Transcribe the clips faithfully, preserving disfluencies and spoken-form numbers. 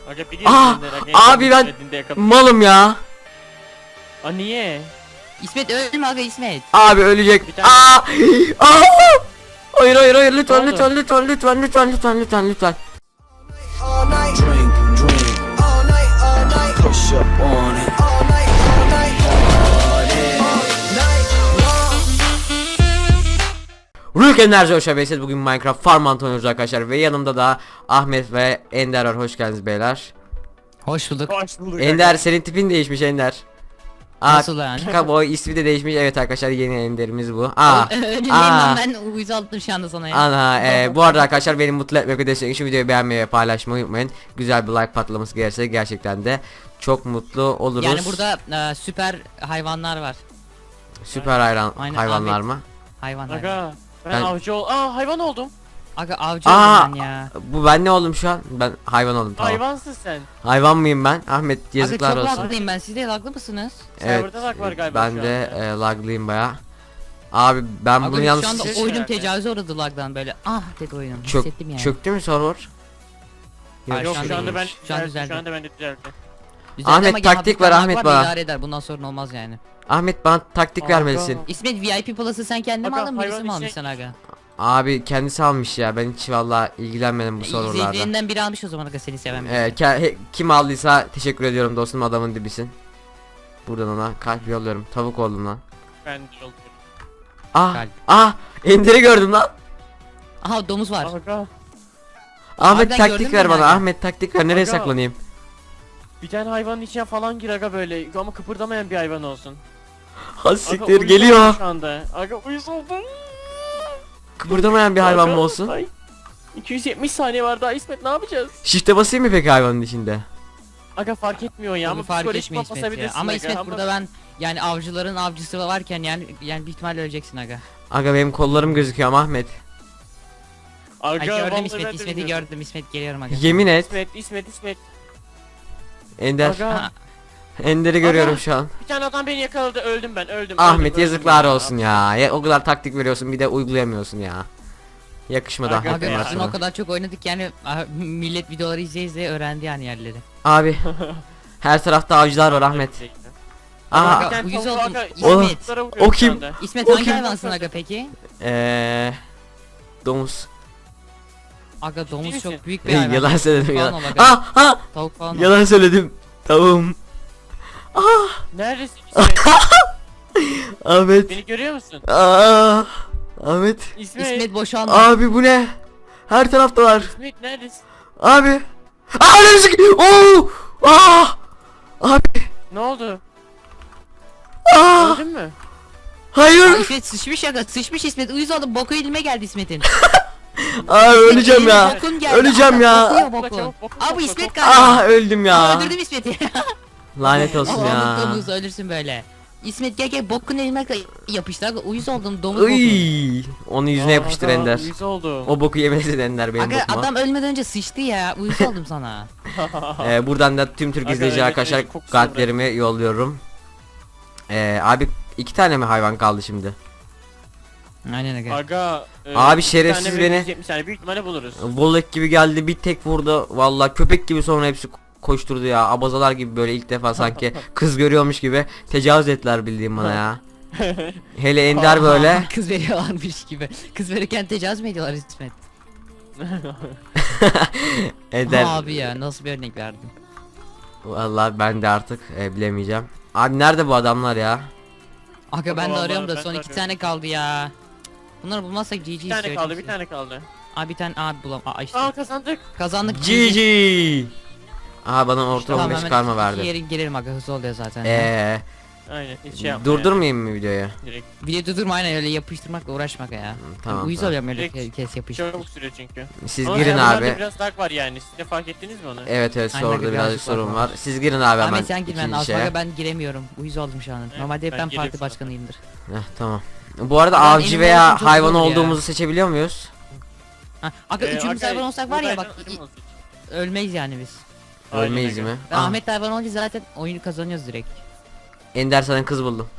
Aga biliyorum Aa, ben de, aga, abi ben dediğinde yakaladım. malım ya. Aa niye? İsmet ölme aga İsmet. Abi ölecek. Bir tane- Aa! Aa! Hayır hayır hayır Ne lütfen oldu? lütfen lütfen lütfen lütfen lütfen lütfen lütfen. All night, drink, drink, all night, all night, push up on it, all night, all night, party, all night long. Rülk Enerji hoş geldiniz. Bugün Minecraft Farm oynuyoruz arkadaşlar ve yanımda da Ahmet ve Ender var. Hoş geldiniz beyler. Hoş bulduk. Hoş bulduk. Ender senin tipin değişmiş Ender. Aa, Nasıl yani? Kaboy ismi de değişmiş. Evet arkadaşlar yeni Ender'imiz bu. Aa. Önündeyim Aa. lan, ben uyuz aldım şu anda sana ya. Ana e, bu arada arkadaşlar beni mutlu etmek ve destek için videoyu beğenmeyi ve paylaşmayı unutmayın. Güzel bir like patlaması gelirse gerçekten de çok mutlu oluruz. Yani burada e, süper hayvanlar var. süper hayran Aynen, hayvanlar Ahmet. mı? Hayvan hayvan. Aga ben, Ben- avcı ol. Aa hayvan oldum. Aga avcı Aa, oldum ben ya. bu ben ne oldum şu an? Ben hayvan oldum tamam. Hayvansın sen. Hayvan mıyım ben? Ahmet yazıklar Aga çok olsun. laglıyım ben, siz de laglı mısınız? Evet. Serverda lag var galiba Ben şu de anda. e, laglıyım baya. Abi ben bunu Aga yalnız şu anda Şey- oyunum tecavüze uğradı lagdan böyle. Ah dedi oyunum. çök, Hissettim yani. çöktü mü server? Hayır, Yok şu şu anda anda ben iyi. Şu an düzeldi, düzeldi. Şu anda ben de düzeldi. Güzel Ahmet, ama gene taktik hafiften ver, lag Ahmet var da bana. idare eder. Bundan sorun olmaz yani. Ahmet bana taktik Aga. vermelisin. İsmet V I P Plus'ı sen kendin mi Aga, aldın, birisi hayvan mi içine- almışsın aga? Abi kendisi almış ya. Ben hiç vallahi ilgilenmedim bu serverlarda. İzleyicilerinden biri almış o zaman aga, seni seven birisi. Ee, ke- he- kim aldıysa teşekkür ediyorum dostum, adamın dibisin. Buradan ona kalp yolluyorum. Tavuk oldum lan. Ben de oldum. Ah Kalp. ah Ender'i gördüm lan. Aha domuz var. Aga Ahmet Harbiden taktik gördün ver mü bana. yani? Ahmet taktik ver. Nereye Aga. saklanayım? bir tane hayvanın içine falan gir aga böyle ama kıpırdamayan bir hayvan olsun. Ha Aga, siktir uyuz geliyor. oldum Şu anda. Aga uyuz oldum. Kıpırdamayan bir hayvan Aga, mı olsun? ay, iki yüz yetmiş saniye var daha İsmet, ne yapacağız? Shift'e basayım mı peki hayvanın içinde? Aga fark etmiyor ya ama Tabii fark psikolojik etmiyor İsmet ya. basabilirsin Ama aga, İsmet burada ben yani avcıların avcısı varken yani yani bir ihtimalle öleceksin aga. Aga benim kollarım gözüküyor ama Ahmet. Aga, Ay gördüm vallahi İsmet, ben de İsmet'i bilmiyordum. gördüm, İsmet geliyorum aga. Yemin et. İsmet, İsmet, İsmet. Ender. Aga, Ha, Ender'i görüyorum Aga. şu an. bir tane adam beni yakaladı, öldüm ben, öldüm. Ahmet öldüm, yazıklar öldüm olsun ya. ya. O kadar taktik veriyorsun bir de uygulayamıyorsun ya. Yakışmadı Aga Ahmet be aga ya. bunlar bizim sana. o kadar çok oynadık yani ah, millet videoları izleye izleye öğrendi yani yerleri. Abi her tarafta avcılar var Ahmet. Aha, Aga, Bir tane uyuz tavuk oldum. aga, İsmet. tavuklara vuruyorum O şu kim? anda. İsmet O hangi kim? hayvansın aga peki? eee domuz. Aga domuz misin? çok büyük bir Ey, hayvan. yalan söyledim Falan ya. ol aga. Ah ah Tavuk falan ol. yalan söyledim. Tavuğum. Neredesin İsmet? Ahmet. Beni görüyor musun? Ah Ahmet. İsmet, İsmet boşalma. Abi bu ne? Her taraftalar. İsmet neredesin? Abi. Aa ne müzik? Oo! Ah! Abi. Ne oldu? Ah! Öldün mü? Aa, Hayır. İsmet sıçmış aga, sıçmış İsmet, uyuz oldu, boku elime geldi İsmet'in. Abi öleceğim Elime ya. bokun geldi. Öleceğim Aga, ya. kokuyor Bokla, bokun. çabuk, bokla, Abi bokla, İsmet bokla. galiba. Ah öldüm Aa, ya. öldürdüm İsmet'i. Lanet olsun ya. Allah'ım domuz ölürsün böyle. İsmet gel gel bokun elime yapıştı aga, uyuz oldum domuz boku. Iy, onu yüzüne Aa, yapıştır aga, Ender. Uyuz oldum. O boku yemesin Ender benim Aga bokuma. adam ölmeden önce sıçtı ya, uyuz oldum sana. Ee, buradan da tüm Türk Aga, izleyici öyle arkadaşlar şey, kokusunu kalplerimi yolluyorum. Ee, abi iki tane mi hayvan kaldı şimdi? Aynen aga. Aga. e, Abi iki şerefsiz tane ve beni- yüz yetmiş tane büyük ihtimalle buluruz. Volek gibi geldi bir tek vurdu. Vallahi köpek gibi sonra hepsi koşturdu ya. Abazalar gibi böyle ilk defa sanki kız görüyormuş gibi tecavüz ettiler bildiğim bana ya. Hele Ender böyle. Kız veriyorlarmış gibi. Kız verirken tecavüz mü ediyorlar İsmet? Ender. Abi ya nasıl bir örnek verdin? Vallahi ben de artık e, bilemeyeceğim. Abi nerede bu adamlar ya? Aga ben de Vallahi arıyorum da ben son de iki arıyorum. tane kaldı ya. Bunları bulmazsak G G Bir istiyor. tane kaldı, bir tane kaldı. Abi bir tane abi bulam. Aa işte. Aa kazandık. Kazandık G G. Aha bana orta Tamam on beş hemen karma iki verdi. yere girelim aga, hızlı oluyor zaten. Eee Aynen hiç şey yapma durdurmayayım mı videoyu? yani, direkt. Video durdurma, aynen öyle yapıştırmakla uğraşmak ya. Tamam, Uyuz tamam. oluyorum öyle Direkt ke- kes yapıştır. Çabuk sürüyor çünkü. Siz Ama girin hayvanlarda abi. biraz lag var yani. Siz de fark ettiniz mi onu? Evet evet Aynen, sordu birazcık birazcık var sorun var. var. Siz girin abi hemen Ahmet sen gir, ben ikinci Asmaga şeye. ben giremiyorum. Uyuz oldum şu an. Evet, Normalde hep ben ben geliyorum parti sana. başkanıyımdır. Heh, tamam. Bu arada Ben avcı elim veya olduğum çok hayvan zor ya. olduğumuzu seçebiliyor muyuz? Ha, aga Ee, üçümüz aga, hayvan olsak var ya bak buradaydan ölüm olsun. i- ölmeyiz yani biz. Aynen Ölmeyiz aga. mi? Ben Ah, Ahmet hayvan olunca zaten oyunu kazanıyoruz direkt. Ender sana kız buldum.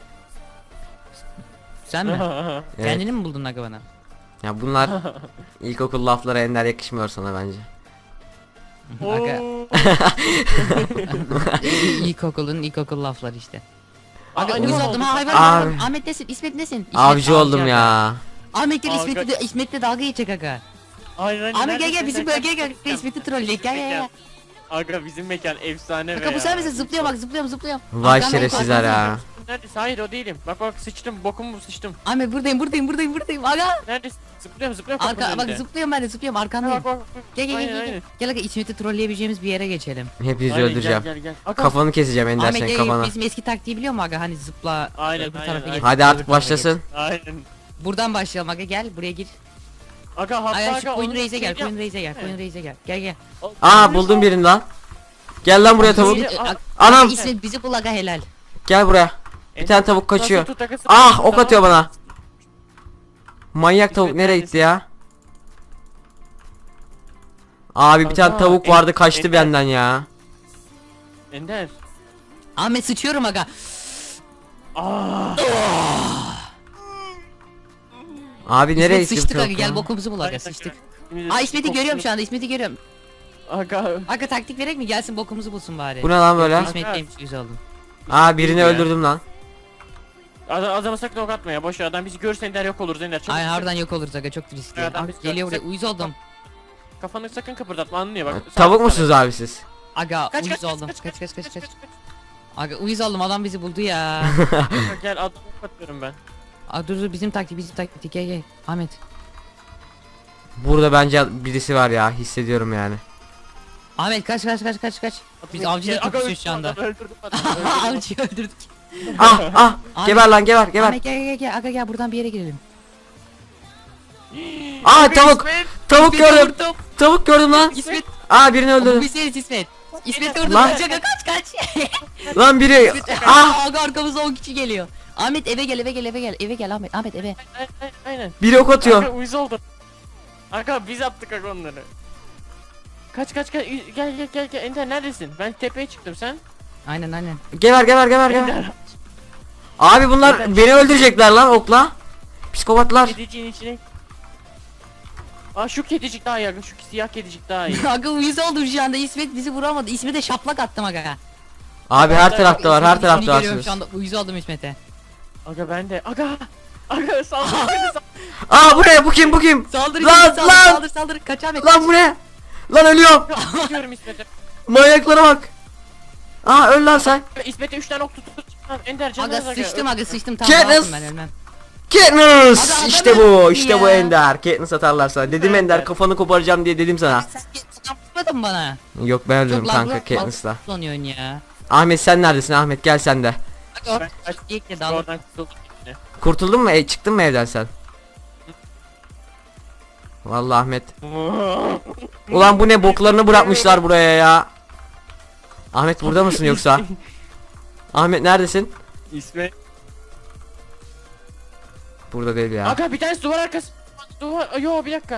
Sen mi? Evet. Kendini mi buldun aga bana? Ya bunlar ilkokul laflara Ender yakışmıyor sana bence. Aga. Oo. İlkokulun ilkokul lafları işte. Aa, Aga animal uyuz oldum olduk. ha hayvan. Abi. hayvan. Ahmet nesin? İsmet nesin? İsmet Avcı oldum aga. ya. Ahmet gel Aga. İsmet'le de, İsmet'le dalga geçecek aga. Aynen, aynen. Ahmet gel gel Neredesin bizim sen? bölgeye gel. İsmet'i trolleyek gel gel gel. Aga bizim mekan efsane be Aga bu ya. sen misin? Zıplıyorum bak zıplıyorum zıplıyorum. Vay Arkamdan şerefsizler arkamdan. ya. Neredesin? Hayır o değilim. Bak bak sıçtım bokumu sıçtım. Ahmet buradayım buradayım buradayım buradayım. Aga. Neredesin? Zıplıyorum zıplıyorum Arka kapının bak önünde. zıplıyorum ben de zıplıyorum Bak arkandayım. bak bak. Gel gel Aynen, gel gel. aynen. Gel aga İsmet'i trolleyebileceğimiz bir yere geçelim. Hepinizi Aynen, öldüreceğim. Gel gel gel. Aga. Kafanı keseceğim Ender Ahmet senin gel gel kafana. bizim eski taktiği biliyor musun aga hani zıpla Aynen, öbür aynen, tarafa aynen. geç. Hadi öbür artık tarafa başlasın. Aynen. geç. Buradan başlayalım aga gel buraya gir. Aga hatta Ay aga. şu koyun onun reise gel şeyini koyun yap- reise gel koyun reise gel. Gel gel. Aa buldum birini lan. Gel lan buraya tavuk. İsmet- Aga- Anam. İsmet bizi bul aga helal. Gel buraya. Bir tane tavuk Nasıl kaçıyor. tut aga, Ah sıkıntı ok tamam. atıyor bana. Manyak İsmet tavuk nereye neredesin? gitti ya? Abi bir tane Aga, tavuk en- vardı kaçtı Ender. benden ya. Ender. Ahmet sıçıyorum aga. Aa. Abi nereye İsmet gitti bu sıçtık aga tavuk gel ya? bokumuzu bul aga sıçtık. Şimdi Aa İsmet'i kokunu- görüyorum şu anda İsmet'i görüyorum. Aga. Aga taktik verek mi gelsin bokumuzu bulsun bari. Bu ne lan böyle? İsmet'teymiş yüz oldum. Aa birini Ya. öldürdüm lan. Adam, adama sakın ok atma ya. Boş ver, adam bizi görürse Ender yok olur Ender. Çabuk Ay çabuk. harbiden yok oluruz aga çok riskli. Evet, Aga, biz- geliyor buraya uyuz oldum. Kafanı sakın kıpırdatma anlıyor bak. Tavuk Sağ- musunuz abi siz? Aga Kaç, uyuz kaç, kaç, oldum. kaç, Kaç kaç kaç kaç. kaç. Aga uyuz oldum adam bizi buldu ya. Aga, Gel adamı kapatıyorum ben. Aa dur dur bizim taktik bizim taktik gel gel. Ahmet. Burada bence birisi var ya hissediyorum yani. Ahmet kaç kaç kaç kaç kaç. Biz Adamı- avcıyla Aga, kapışıyoruz şu anda. adamı öldürdüm, adamı öldürdüm. Avcıyı öldürdük. Ah ah Ahmet- geber lan geber geber. Ahmet gel gel gel aga gel buradan bir yere girelim. Aa Aga, tavuk İsmet. tavuk İsmet'i gördüm. vurdum. Tavuk gördüm lan. İsmet. Aa birini Bu öldürdüm. bizleriz İsmet. İsmet vurdum. Lan. Kaç aga kaç kaç. Lan biri. Ah Aa aga arkamızda on kişi geliyor. Ahmet eve gel eve gel eve gel eve gel Ahmet Ahmet eve. Aynen, aynen, aynen. biri ok atıyor. Aga uyuz oldum. Aga biz attık aga onları. Kaç kaç kaç gel gel gel gel Ender neredesin? Ben tepeye çıktım sen. Aynen aynen. Geber geber geber geber. Ender. Abi bunlar beni öldürecekler lan okla. Psikopatlar. Kediciğin içine. Aa şu kedicik daha iyi aga, şu siyah kedicik daha iyi. Aga uyuz oldum şu anda İsmet bizi vuramadı. İsmet'e şaplak attım aga. Abi her tarafta var her İsmet'i tarafta görüyorum varsınız. şu anda uyuz oldum İsmet'e. Aga ben de. Aga. Aga saldır beni saldır. Aa bu ne bu kim bu kim? Saldır Lan, İsmet, saldır, lan! saldır saldır kaç Ahmet. Lan bu ne? Lan ölüyorum. Diyorum İsmet'e. Manyaklara bak. Aa öl lan sen. İsmet'e üç tane ok tut tut. Lan Ender canım Aga sıçtım aga sıçtım tamam Katniss! rahatım ben ölmem. Katniss Aga, işte adamı bu işte bu ya. Ender. Katniss atarlar sana. Dedim Ender Ender. kafanı koparacağım diye dedim sana. Sen yapmadın bana. Yok ben öldürdüm Çok kanka laglı Katniss'la. kullanıyorsun ya. Ahmet sen neredesin Ahmet gel sen de. Aga Ben kaç- ilk de dalga. Oradan kurtuldum yine. Kurtuldun mu? E, çıktın mı evden sen? Vallahi Ahmet. Ulan bu ne boklarını bırakmışlar buraya ya. Ahmet burada mısın yoksa? Ahmet neredesin? İsmet. Burada değil ya. Aga bir tanesi duvar arkası. Duvar. Yo bir dakika.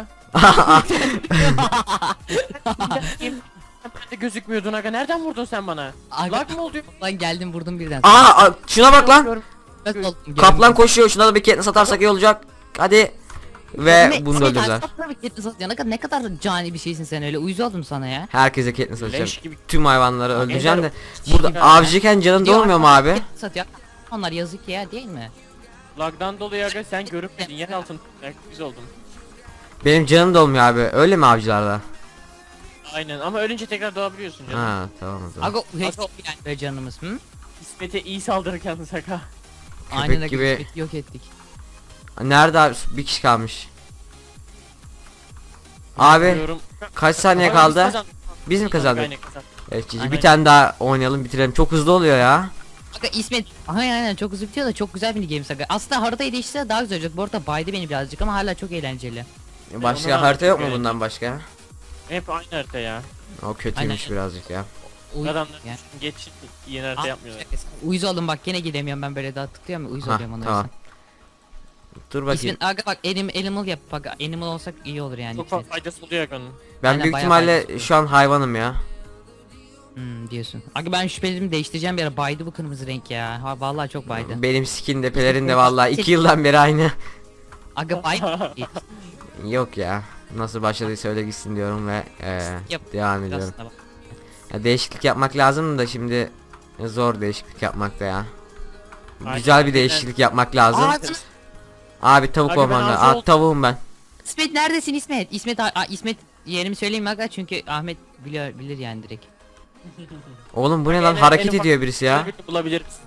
Sen de gözükmüyordun aga. Nereden vurdun sen bana? Aga Lag mı oldu? lan geldim vurdum birden. Aa, aa, şuna bak lan. Görüm- Nasıl oldum? Kaplan koşuyor. Şuna da bir Katniss atarsak iyi olacak. Hadi. Ve bunu da öldürdüler. Herkese Katniss atacağım. Leş gibi. Tüm hayvanları öldüreceğim de. Ender- Burada Ender- avcıyken canın dolmuyor mu abi? Satıyor. Onlar yazık ya değil mi? Lagdan dolayı aga sen görünmedin. Yer altın. Biz oldum. Benim canım dolmuyor abi. Öyle mi avcılarda? Aynen ama ölünce tekrar doğabiliyorsun canım. Ha tamam o zaman. Aga hiç Aga- yani böyle canımız hı? İsmet'e iyi saldırırken yalnız aga. Aynen gibi- gibi İsmet'i yok ettik. Nerede abi? Bir kişi kalmış. Abi Diyorum. kaç saniye Aga, biz kaldı? kazandık. Biz mi kazandık? Aynen kazandık. Evet Cici Aynen. bir tane daha oynayalım bitirelim. Çok hızlı oluyor ya. Aga İsmet aynen aynen çok hızlı bitiyor da çok güzel bir games aga. Aslında haritayı değiştirse daha güzel olacak. Bu arada baydı beni birazcık ama hala çok eğlenceli. Başka ondan harita yok mu çok bundan başka? Hep aynı harita ya. O kötüymüş Aynen. birazcık ya. Uy- Adamlar ya. geç yeni harita Ah, yapmıyorlar. Uyuz oldum bak gene gidemiyorum ben böyle daha tıklıyorum ya uyuz Ha, oluyorum ona tamam. yüzden. Dur bakayım. İsmet aga bak anim, animal yap bak animal olsak iyi olur yani. Çok İsmet. fazla faydası oluyor aganın. Ben Aynen, büyük bayağı ihtimalle faydası şu an hayvanım ya. Hmm, diyorsun. Aga ben şüphelerimi değiştireceğim bir ara baydı bu kırmızı renk ya. Ha vallahi çok baydı. Benim skin de pelerin de vallahi iki yıldan beri aynı. Aga baydı. Yok ya. Nasıl başladıysa öyle gitsin diyorum ve eee, Yap. devam ediyorum. Aslında bak. Ya değişiklik yapmak lazım da şimdi zor değişiklik yapmak da ya. Aynen, Güzel bir aynen. değişiklik yapmak lazım. Aa, Abi tavuk Aga ben olman lazım. arıza Aa, oldum. tavuğum ben. İsmet neredesin İsmet? İsmet a- a- İsmet yerimi söyleyeyim mi aga çünkü Ahmet biliyor bilir yani direkt. Oğlum bu ne En- lan, en hareket ufak ediyor birisi ya. birini bulabilir misiniz?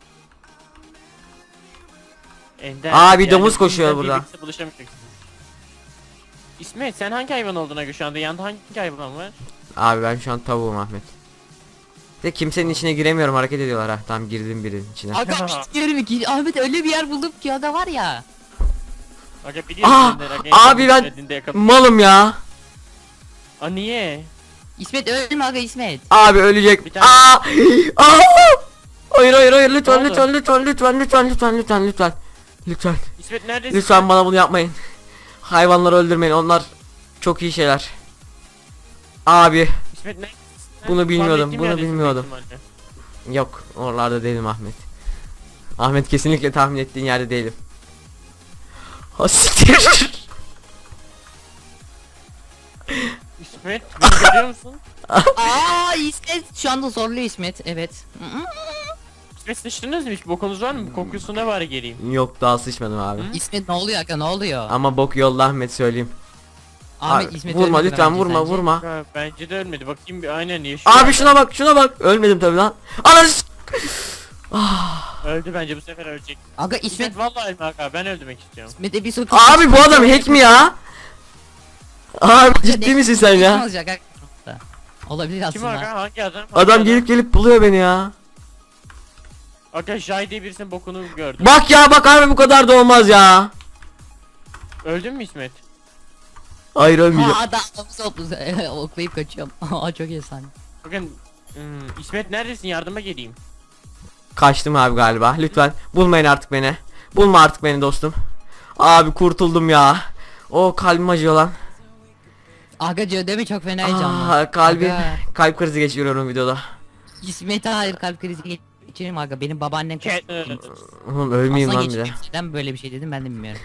Ender, Aa, bir yani domuz koşuyor bizden burada. birlikte buluşamayacaksınız. İsmet sen hangi hayvan olduğuna göre şu anda yanında hangi hayvan var? Abi ben şu an tavuğum Ahmet. De kimsenin içine giremiyorum, hareket ediyorlar ha. Tamam, girdim birinin içine. Aga istiyorum ki Ahmet öyle bir yer buldum ki aga var ya. Aga biliyorsun Aa, Ender, aga, abi en ben- söylediğinde yakaladım. Malım ya. Aa niye? İsmet ölme aga İsmet. Abi ölecek. Bir tane- Aa! Aa! Hayır hayır hayır, Ne lütfen oldu? lütfen lütfen lütfen lütfen lütfen lütfen lütfen. Lütfen. İsmet neredesin? Lütfen bana bunu yapmayın. Hayvanları öldürmeyin. Onlar çok iyi şeyler. Abi İsmet ne? Bunu bilmiyordum, Tahmin ettiğim bunu yerdesin bilmiyordum. büyük ihtimalle. yok, oralarda değilim Ahmet. Ahmet, kesinlikle tahmin ettiğin yerde değilim. Ha siktir. İsmet beni görüyor musun? Aa İsmet şu anda zorluyor İsmet evet. İsmet sıçtınız mı hiç? Bokunuz var mı? Kokusuna bari geleyim. Yok, daha sıçmadım abi. Hı? İsmet ne oluyor aga ne oluyor? Ama bok yolda Ahmet, söyleyeyim. Ahmet Abi, İsmet vurma ölmedi lütfen, bence vurma sence. vurma. Ha, bence de ölmedi. Bakayım bir aynen yaşıyor. Abi şuna bak, şuna bak. Ölmedim tabi lan. Anas. Öldü bence bu sefer ölecek. Aga İsmet, İsmet vallahi ölme aga ben öldürmek istiyorum. İsmet'e bir soru. Abi bu adam hack mi ya? Abi ciddi misin sen ya? Olacak aga. Olabilir Kim aslında. aga hangi adam? Hangi Adam gelip gelip buluyor beni ya. Aga Jai diye birisinin bokunu gördüm. Bak ya, bak abi, bu kadar da olmaz ya. Öldün mü İsmet? Hayır, ölmeyeceğim. Ha adam oklayıp, oklayıp kaçıyorum. Aa çok efsane. Bakın hmm, İsmet neredesin yardıma geleyim. Kaçtım abi galiba. Lütfen bulmayın artık beni. Bulma artık beni dostum. Abi kurtuldum ya. O kalbim acıyor lan. Aga Cödemi çok fena heyecanlı. Aa, kalbim Aga. kalp krizi geçiriyorum videoda. İsmet'e hayır kalp krizi geçirim aga benim babaannem Ke- Oğlum ölmeyeyim Aslan lan bir de. geçirmiş. Neden böyle bir şey dedim ben de bilmiyorum.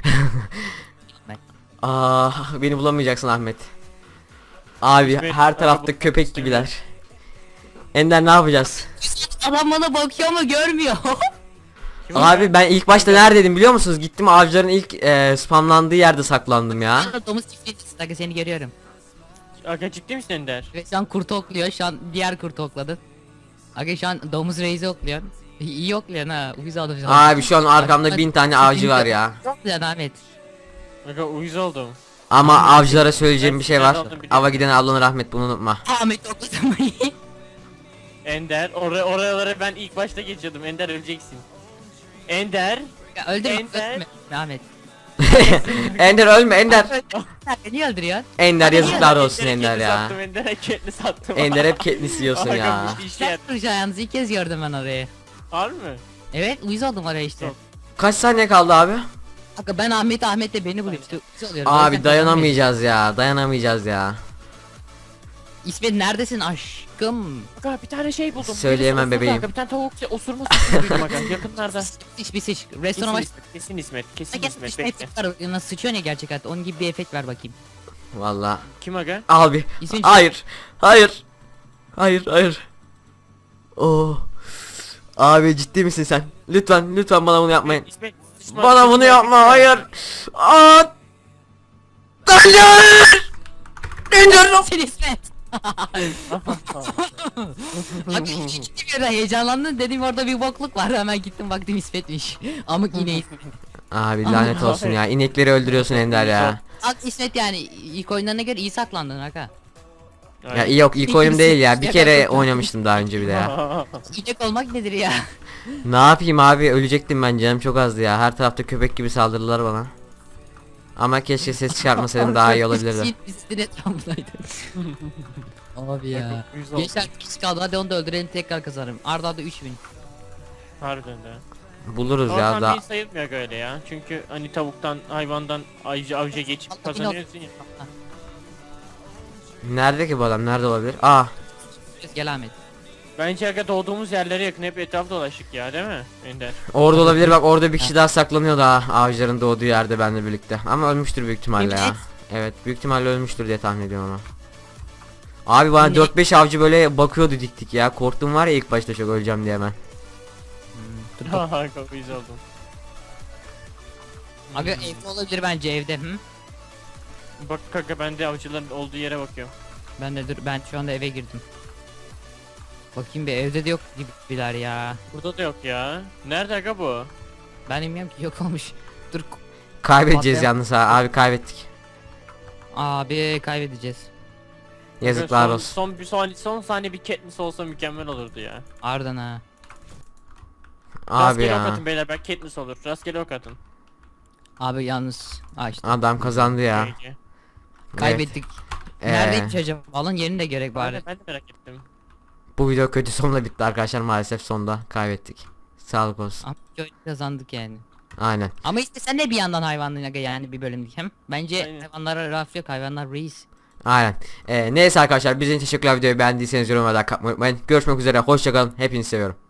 Aa, beni bulamayacaksın Ahmet. Abi İsmet, her abi tarafta bu- köpek gibiler. Ender, ne yapacağız? Adam bana bakıyor ama görmüyor. Kim Abi ben ilk başta neredeydim biliyor musunuz? Gittim avcıların ilk e, spamlandığı yerde saklandım ya. Aa, domuz çiftliğisin aga seni görüyorum. Aga ciddi misin Ender? Ve şu an kurtu okluyor şu an diğer kurtu okladın. Aga şu an domuz reisi okluyorsun. İyi okluyorsun ha uyuz aldım şu an. Abi şu an arkamda bin tane avcı var ya. Çok güzel Ahmet. Aga uyuz oldum. Ama avcılara söyleyeceğim bir şey var. Ben aldım, biliyorum. Ava giden ablanı rahmet, bunu unutma. Ahmet okladım. Ender oraya oralara ben ilk başta geçiyordum. Ender öleceksin. Ender. Ya öldürme Ender. öldürme Ahmet. Ender ölme Ender. Niye öldürüyorsun? Ender yazıklar Ender'e olsun Ender Katniss'i ya. Sattım, Ender'e Katniss'i sattım. Ender hep Katniss yiyorsun Aga, ya. bu işe Sen yaradı. duracaksın yalnız ilk kez gördüm ben orayı. Harbi mi? Evet uyuz oldum oraya işte. Yok. Kaç saniye kaldı abi? Aga ben Ahmet Ahmet de beni buluyor işte uyuz oluyorum. O Abi yüzden dayanamayacağız ya. Dayanamayacağız ya. kazanamayız. İsmet neredesin aşkım? Aga bir tane şey buldum. Söyleyemem Birisi osurdu bebeğim. Aga, bir tane tavuk şey, osurma sesi duydum aga yakınlarda. Sıç bir sıç. Kesin Restorana baş... İsmet, kesin İsmet, kesin Gel İsmet, işte bekle. efekt var. Nasıl sıçıyor ya gerçek hayatta. Onun gibi bir efekt ver bakayım. Valla. Kim aga? Abi. İsmin Hayır. Hayır. Hayır hayır. Oo. Abi ciddi misin sen? Lütfen lütfen bana bunu yapmayın. İsmet, sıçma, Bana sıçma, bunu sıçma. yapma, hayır. Aa! Hayır! Ender! Sen İsmet. Bak ciddi bir ara heyecanlandın dedim orada bir bokluk var hemen gittim baktım İsmet'miş. Amık ineği. Abi lanet olsun ya. İnekleri öldürüyorsun Ender ya. Bak İsmet yani ilk oyunlarına göre iyi saklandın aga. Ya iyi yok, ilk oyunum değil ya. Bir kere oynamıştım daha önce bir de ya. İnek olmak nedir ya? Ne yapayım abi, ölecektim ben, canım çok azdı ya. Her tarafta köpek gibi saldırdılar bana. Ama keşke ses çıkartmasaydım daha iyi olabilirdi. Üstün etrafındaydı. Abi ya. Uyuz oldum. Gençler kişi kaldı hadi onu da öldürelim tekrar kazanırım. Arda arda üç bin. Harbiden de. Buluruz Ama ya tam da. değil sayılmıyor aga öyle ya. Çünkü hani tavuktan, hayvandan avcı avcıya geçip Allah kazanıyorsun ya. Nerede ki bu adam? Nerede olabilir? Aa, Gel Ahmet. Bence aga doğduğumuz yerlere yakın hep etraf dolaştık ya değil mi Ender? orada olabilir, bak orada bir kişi daha saklanıyor daha avcıların doğduğu yerde benimle birlikte. Ama ölmüştür büyük ihtimalle ya. Evet, büyük ihtimalle ölmüştür diye tahmin ediyorum ama. Abi bana Ne? dört beş avcı böyle bakıyordu dik dik ya. Korktum var ya ilk başta çok öleceğim diye hemen. Dur, Ha ha kapıyı oldum. Aga evde olabilir bence evde. Hı? Bak kanka ben de avcıların olduğu yere bakıyorum. Ben de dur ben şu anda eve girdim. Bakayım bir evde de yok gibiler ya. Burada da yok ya. Nerede aga bu? Ben bilmiyorum ki yok olmuş. Dur Kaybedeceğiz Patlayan- yalnız ha. Abi kaybettik. abi kaybedeceğiz. Yazıklar son, olsun. Son bir son, son saniye bir Katniss olsa mükemmel olurdu ya. Ardından ha. Abi Rastgele ok ya. atın beyler, belki Katniss olur. Rastgele ok atın. Abi yalnız. Aa işte Adam kazandı ya. Peki. kaybettik. Ee, Neredeymiş acaba? Alın yerini de gerek Ben bari. de, ben de merak ettim. Bu video kötü sonla bitti arkadaşlar, maalesef sonda kaybettik. Sağlık olsun. Ama çok kazandık yani. Aynen. Ama işte sen de bir yandan hayvanlığına aga yani bir bölümdük hem. Bence Aynen. hayvanlara laf yok, hayvanlar reis. Aynen. Ee, neyse arkadaşlar, bizim teşekkürler, videoyu beğendiyseniz yorum olarak kapmayı unutmayın. Görüşmek üzere, hoşçakalın, hepinizi seviyorum.